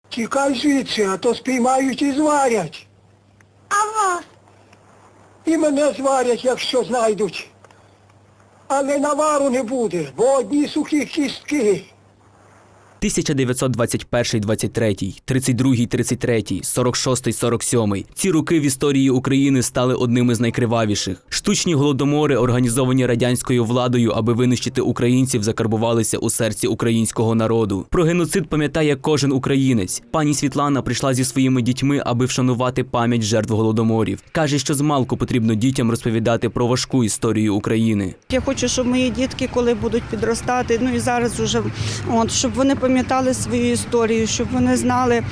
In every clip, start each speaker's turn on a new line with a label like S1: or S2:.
S1: Тікай звідси, а то спіймають і зварять.
S2: А вас?
S1: І мене зварять, якщо знайдуть. Але навару не буде, бо одні сухі кістки.
S3: 1921-23, 32-33, 46-47. Ці роки в історії України стали одними з найкривавіших. Штучні голодомори, організовані радянською владою, аби винищити українців, закарбувалися у серці українського народу. Про геноцид пам'ятає кожен українець. Пані Світлана прийшла зі своїми дітьми, аби вшанувати пам'ять жертв голодоморів. Каже, що змалку потрібно дітям розповідати про важку історію України.
S4: Я хочу, щоб мої дітки, коли будуть підростати, ну і зараз уже, щоб вони пам'ятали свою історію, щоб вони знали,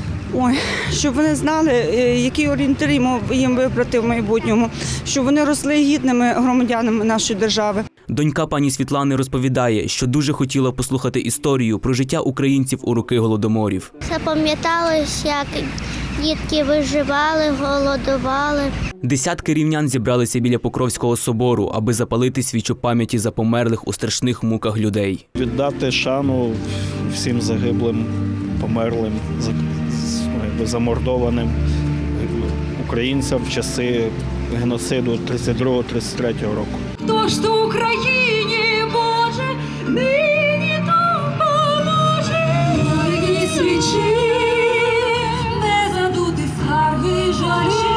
S4: які орієнтири їм вибрати в майбутньому, щоб вони росли гідними громадянами нашої держави.
S3: Донька пані Світлани розповідає, що дуже хотіла послухати історію про життя українців у роки голодоморів.
S2: Запам'яталось, як дітки виживали, голодували.
S3: Десятки рівнян зібралися біля Покровського собору, аби запалити свічу пам'яті за померлих у страшних муках людей.
S5: Віддати шану всім загиблим, померлим, замордованим українцям в часи геноциду 32-33 року.
S6: Тож то Україні, Боже, нині допоможе. Горі свічі, не задути скарги жалі,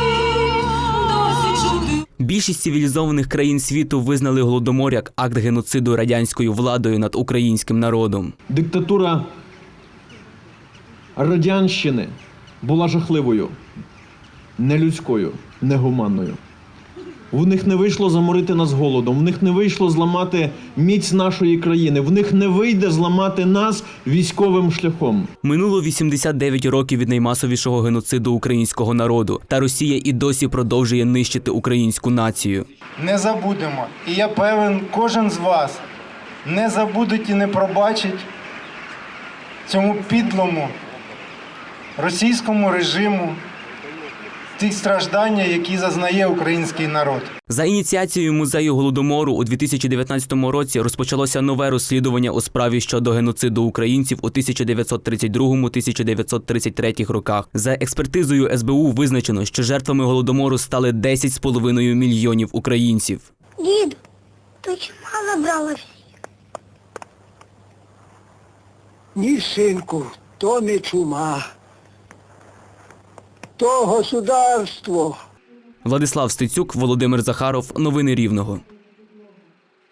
S6: досі чути.
S3: Більшість цивілізованих країн світу визнали голодомор як акт геноциду радянською владою над українським народом.
S7: Диктатура радянщини була жахливою, нелюдською, негуманною. В них не вийшло заморити нас голодом, в них не вийшло зламати міць нашої країни, в них не вийде зламати нас військовим шляхом.
S3: Минуло 89 років від наймасовішого геноциду українського народу, та Росія і досі продовжує нищити українську націю.
S8: Не забудемо. І я певен, кожен з вас не забудуть і не пробачить цьому підлому російському режиму ті страждання, які зазнає український народ.
S3: За ініціацією музею Голодомору у 2019 році розпочалося нове розслідування у справі щодо геноциду українців у 1932-1933 роках. За експертизою СБУ визначено, що жертвами Голодомору стали 10,5 мільйонів українців.
S2: Дід, то чума забрала всіх?
S1: Ні, синку, то не чума. То государство.
S3: Владислав Стецюк, Володимир Захаров. Новини Рівного.